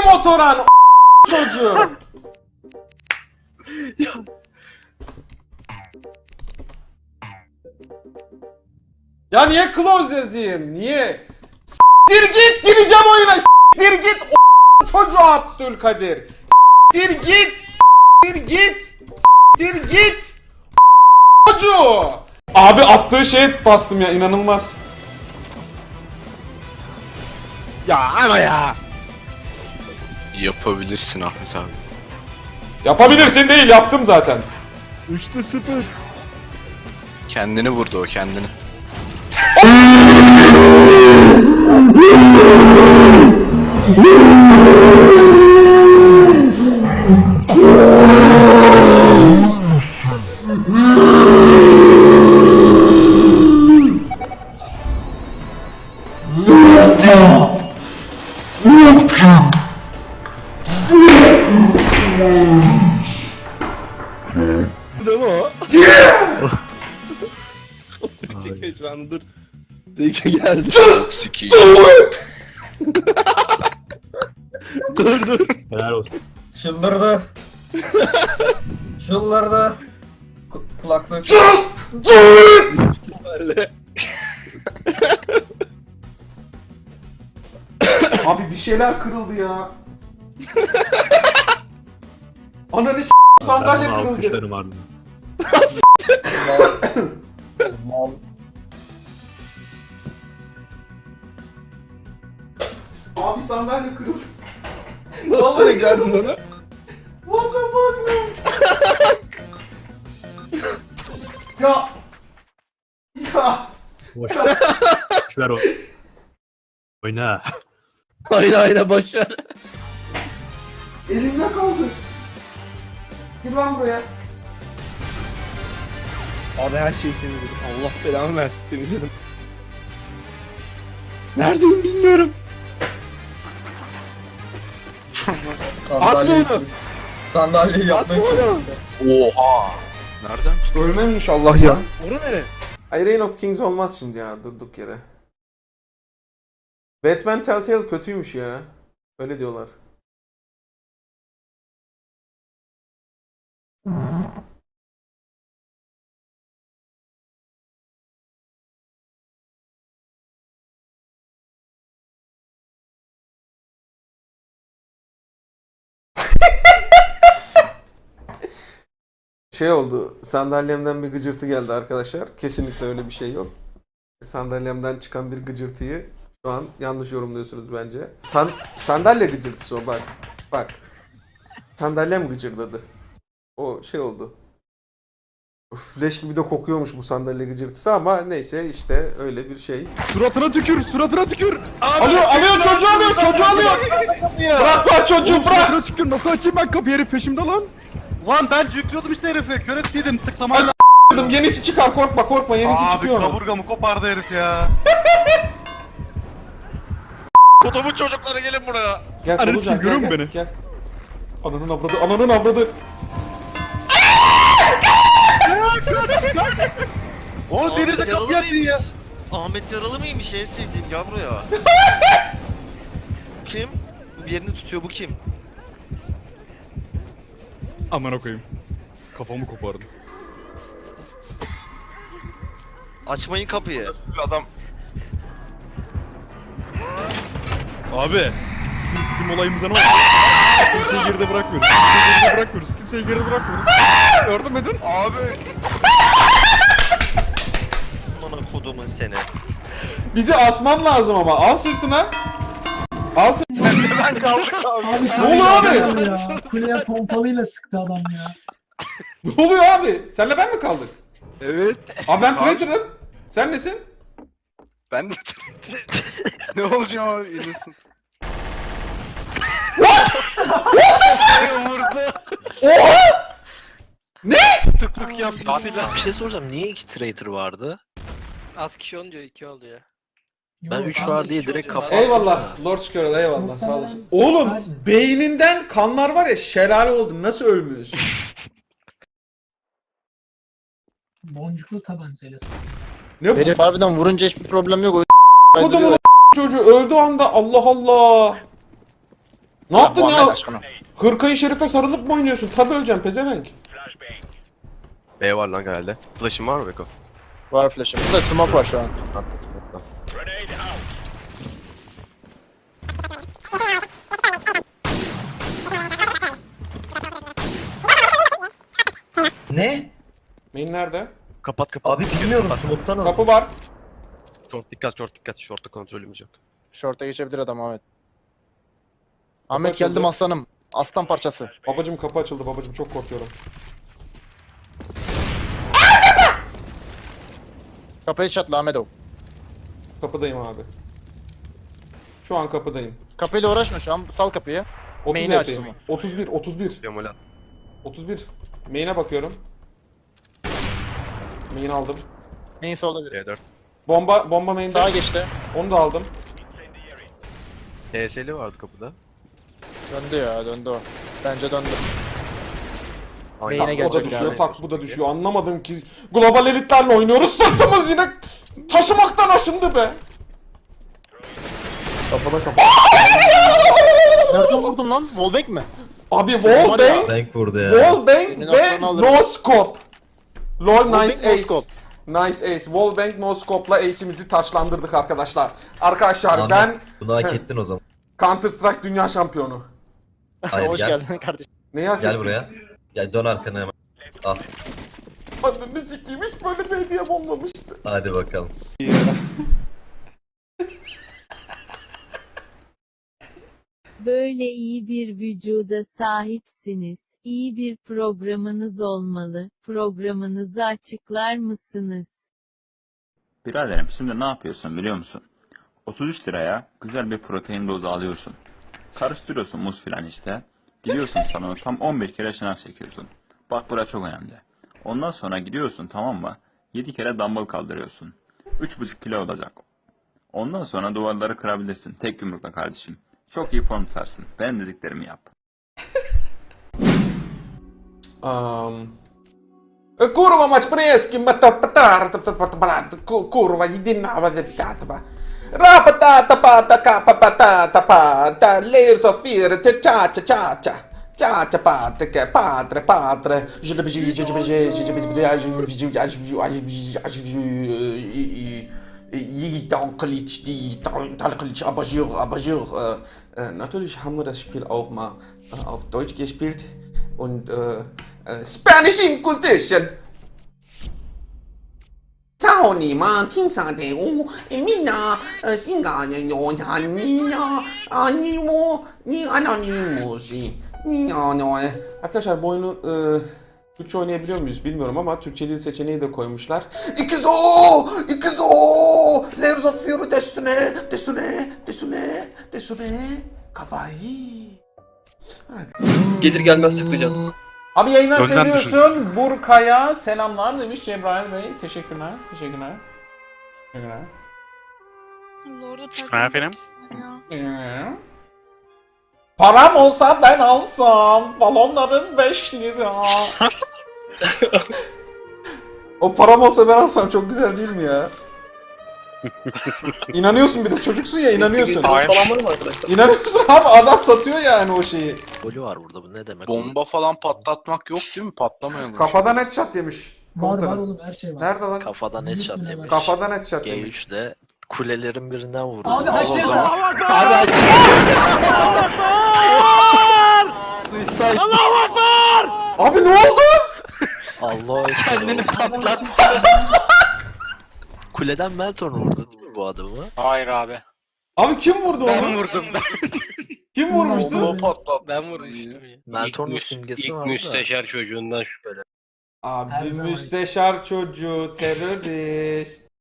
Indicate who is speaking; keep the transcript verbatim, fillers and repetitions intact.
Speaker 1: motoran o çocuğu. Ya niye close yazayım? Niye? S**tir git, gireceğim oyuna. S**tir git o çocuğu Abdülkadir. S**tir git. S**tir git. S**tir git. O çocuğu. Abi attığı şeye bastım ya, inanılmaz.
Speaker 2: Ya ama ya.
Speaker 3: Yapabilirsin Ahmet abi.
Speaker 1: Yapabilirsin değil, yaptım zaten.
Speaker 2: Üçte sıfır.
Speaker 3: Kendini vurdu o, kendini.
Speaker 2: Değil mi o? Çekil şu an dur. Zeki geldi.
Speaker 3: Siki.
Speaker 2: Dur dur.
Speaker 4: Helal olsun.
Speaker 5: Çıldırdı. Çıldırdı. Ku- kulaklık.
Speaker 1: Just do it.
Speaker 2: Öyle.
Speaker 1: Abi bir şeyler kırıldı ya. Ananı s*** sandalye
Speaker 4: Ben bunu
Speaker 1: kırıldı.
Speaker 4: alkışlarım ardından.
Speaker 5: Mal.
Speaker 1: Abi sandalye kırıldı.
Speaker 2: Vallahi geldin ona.
Speaker 1: What the fuck man? Ya. Ya.
Speaker 4: Boş. Boş ver o. Oyna.
Speaker 2: Aynen aynen başar.
Speaker 1: Elimde kaldı. Gir lan buraya.
Speaker 2: Abi her şeyi temizledim. Allah belamı versin temizledim. Neredeyim bilmiyorum. Atma onu.
Speaker 5: Sandalyeyi yapmayı
Speaker 2: Atma onu.
Speaker 3: Oha. Nereden?
Speaker 1: Ölmem inşallah ya.
Speaker 2: Oru nere?
Speaker 1: Ay Reign of Kings olmaz şimdi ya, durduk yere. Batman Telltale kötüymüş ya. Öyle diyorlar. Şey oldu, sandalyemden bir gıcırtı geldi arkadaşlar. Kesinlikle öyle bir şey yok. Sandalyemden çıkan bir gıcırtıyı şu an yanlış yorumluyorsunuz bence. San sandalye gıcırtısı o, bak. Bak. Sandalyem gıcırdadı. O şey oldu. Uf, leş gibi de kokuyormuş bu sandalye gıcırtısı ama neyse işte öyle bir şey.
Speaker 2: Suratına tükür, suratına tükür.
Speaker 1: Alıyor, alıyor çocuğu alıyor, çocuğu alıyor. Bırak lan çocuğu, bırak.
Speaker 2: Suratına tükür. Nasıl açayım ben kapıyı, herif peşimde lan.
Speaker 6: Lan ben yüklüyordum işte herifi. Kör ettiydim tıklamayla.
Speaker 1: Dedim, yenisi çıkar, korkma korkma, yenisi
Speaker 6: Abi
Speaker 1: çıkıyor onun.
Speaker 6: kaburgamı kopardı herif ya.
Speaker 3: Kodumun çocukları gelin buraya.
Speaker 1: Gel
Speaker 2: Ananı
Speaker 1: Solucan,
Speaker 2: sikeyim,
Speaker 1: gel,
Speaker 2: görüyor
Speaker 1: gel,
Speaker 2: musun beni?
Speaker 1: gel. Ananın avradı, ananın avradı.
Speaker 6: O denize kapıyı açın ya.
Speaker 7: Ahmet yaralı mıymış en sevdiğim yavru ya. Kim? Bu bir yerini tutuyor, bu kim?
Speaker 2: Aman koyayım. Kafamı kopardım.
Speaker 7: Açmayın kapıyı.
Speaker 3: Adam.
Speaker 2: Abi bizim, bizim olayımıza ne oldu? Kimseyi geride bırakmıyoruz. Kimseyi geride bırakmıyoruz. Kimseyi geride bırakmıyoruz. Yardım edin.
Speaker 3: Abi.
Speaker 7: Aman kodumun seni.
Speaker 1: Bizi asman lazım ama, al sırtına. Al sırtına.
Speaker 3: Ben kaldık abi.
Speaker 8: Abi
Speaker 1: Ne oluyor abi?
Speaker 8: Ya. Kuleye pompalıyla sıktı adam ya.
Speaker 1: Ne oluyor abi? Senle ben mi kaldık?
Speaker 3: Evet.
Speaker 1: Abi ben traitor'ım. Sen nesin?
Speaker 3: Ben de ne olacağım abi, innocent.
Speaker 1: Oha! Ne?
Speaker 9: Bir şey soracağım. Niye iki traitor vardı?
Speaker 10: Az kişi olunca iki oluyor.
Speaker 9: Ben
Speaker 8: Yok
Speaker 9: üç
Speaker 8: abi,
Speaker 9: var diye
Speaker 10: iki
Speaker 9: direkt
Speaker 10: oluyor.
Speaker 9: kafa
Speaker 1: Eyvallah Lord Squirrel, eyvallah, sağ olasın. Oğlum beyninden kanlar var ya, şelale oldu, nasıl ölmüyorsun?
Speaker 8: Boncuklu tabancayla sıktı.
Speaker 1: Ne bu?
Speaker 5: Herif harbiden vurunca hiçbir problem yok.
Speaker 1: Kodumun çocuğu öldüğü anda, Allah Allah. Ne yaptın
Speaker 3: Muhammed
Speaker 1: ya?
Speaker 3: aşkına.
Speaker 1: Hırkayı şerife sarılıp mı oynuyorsun? Tabii öleceğim pezevenk.
Speaker 2: B var lan herhalde. Flash'ın var mı Beko?
Speaker 3: Var flash'ım. Burada smoke var şu an.
Speaker 5: Ne?
Speaker 1: Main nerede?
Speaker 2: Kapat kapat.
Speaker 5: Abi bilmiyorum smoke'tan al.
Speaker 1: Kapı var.
Speaker 2: Short dikkat, short dikkat. Short'ta kontrolümüz yok.
Speaker 3: Short'a geçebilir adam Ahmet. Ahmet
Speaker 1: açıldı.
Speaker 3: geldim aslanım. Aslan parçası.
Speaker 1: Babacım kapı açıldı babacım çok korkuyorum.
Speaker 3: Kapıyı çatla Ahmet o.
Speaker 1: Kapıdayım abi. Şu an kapıdayım.
Speaker 3: Kapıyla uğraşma şu an. Sal kapıyı.
Speaker 1: otuz
Speaker 3: Main'i
Speaker 1: H
Speaker 3: açtı
Speaker 1: P.
Speaker 3: mı?
Speaker 1: otuz bir, otuz bir.
Speaker 2: Yamola.
Speaker 1: otuz bir. Main'e bakıyorum. Main aldım.
Speaker 3: Main solda biri.
Speaker 2: D dört.
Speaker 1: Bomba bomba main'de.
Speaker 3: Sağa geçti.
Speaker 1: Onu da aldım.
Speaker 2: T S'li vardı kapıda.
Speaker 3: Döndü ya döndü o. Bence döndü.
Speaker 2: Aynen.
Speaker 3: Main'e
Speaker 1: O da
Speaker 3: gelecek
Speaker 1: düşüyor,
Speaker 3: yani.
Speaker 1: tak bu da düşüyor. Anlamadım ki. Global elitlerle oynuyoruz. Sırtımız yine taşımaktan aşındı be. Kapıda kapı.
Speaker 3: Nereden vurdun lan? Wallbang mi?
Speaker 1: Abi
Speaker 3: Var
Speaker 1: wallbang,
Speaker 3: ya.
Speaker 5: Bank vurdu ya.
Speaker 1: wallbang
Speaker 3: Senin
Speaker 1: ve
Speaker 3: aklını alırım.
Speaker 1: no scope. Lol
Speaker 3: Wallbang,
Speaker 1: nice
Speaker 3: no
Speaker 1: ace.
Speaker 3: scope.
Speaker 1: Nice ace. Wallbang no scope'la ace'imizi taçlandırdık arkadaşlar. Arkadaşlar
Speaker 5: Ahmet,
Speaker 1: ben
Speaker 5: Bunu hak ettin o zaman.
Speaker 1: Counter Strike dünya şampiyonu.
Speaker 5: Hayır,
Speaker 3: Hoş
Speaker 5: gel.
Speaker 3: geldin kardeşim.
Speaker 1: Neyi hak
Speaker 5: Gel
Speaker 1: ettim?
Speaker 5: buraya. Gel dön arkana hemen. Al.
Speaker 1: Ananı sikeyim hiç böyle bir hediyem olmamıştı.
Speaker 5: Hadi bakalım.
Speaker 11: Böyle iyi bir vücuda sahipsiniz. İyi bir programınız olmalı. Programınızı açıklar mısınız?
Speaker 6: Biraderim şimdi ne yapıyorsun biliyor musun? otuz üç liraya güzel bir protein dozu alıyorsun. Karıştırıyorsun muz filan işte. Gidiyorsun sana tam on bir kere şınav çekiyorsun. Bak burası çok önemli. Ondan sonra gidiyorsun tamam mı? yedi kere dumbbell kaldırıyorsun. üç buçuk kilo olacak. Ondan sonra duvarları kırabilirsin tek yumrukla kardeşim. Çok iyi form tutarsın. Benim dediklerimi yap.
Speaker 1: Um... Kurwa mać prieski, matapatar, kurwa, jedyna wadeptataba. Rapatata pata kapapata tapata, layers of fear, cha cha cha cha cha. Cha cha pata ke patre patre. Yidan Kılıç, Yidan Kılıç, Abajur, Abajur. Natürlich haben wir das Spiel auch mal äh, auf Deutsch gespielt. Und äh, äh, Spanish Inquisition. Sao ni ma tin sa de u mina singa ne yo ya ni ya ani mo ni anonymous ni ya no. Arkadaşlar bu oyunu e, Türkçe oynayabiliyor muyuz bilmiyorum ama Türkçe dil seçeneği de koymuşlar. İkizo! İkizo! Layers of Fury desune, desune, desune, desune. Kawaii.
Speaker 10: Gelir gelmez tıklayacaksın.
Speaker 1: Abi yayınlar
Speaker 2: Önden
Speaker 1: seviyorsun. Burkaya selamlar demiş Cebrail Bey. Teşekkürler. Teşekkürler. Teşekkürler.
Speaker 10: Ben efendim.
Speaker 1: Ee? Param olsa ben alsam. Balonların beş lira. O param olsa ben alsam çok güzel değil mi ya? İnanıyorsun bir de çocuksun ya inanıyorsun.
Speaker 10: falan var mı arkadaşlar?
Speaker 1: İnanıyorsun abi adam satıyor yani o şeyi.
Speaker 9: Golü var burada bu ne demek?
Speaker 6: Bomba falan patlatmak yok değil mi? Patlamayalım.
Speaker 1: Kafadan headshot yemiş.
Speaker 8: Var var
Speaker 1: Komutanım.
Speaker 8: oğlum her şey var.
Speaker 1: Nerede lan?
Speaker 9: Kafadan headshot
Speaker 8: Bismillah.
Speaker 9: yemiş.
Speaker 1: Kafadan headshot
Speaker 9: G
Speaker 1: yemiş.
Speaker 9: üç'de kulelerin birinden vurdu.
Speaker 8: Abi açıldı.
Speaker 9: Abi
Speaker 1: Abi ne oldu?
Speaker 9: Allah kendini patlat. Kuleden Melton vurdu değil mi bu adamı?
Speaker 10: Hayır abi.
Speaker 1: Abi kim vurdu onu?
Speaker 10: vurdum ben.
Speaker 1: Kim vurmuştu?
Speaker 6: Bomba patlat.
Speaker 10: Ben vurmuştum ya.
Speaker 9: Melton'un simgesi var da.
Speaker 10: çocuğundan şüphelen.
Speaker 1: Abi
Speaker 8: Her zaman.
Speaker 1: müsteşar çocuğu terörist.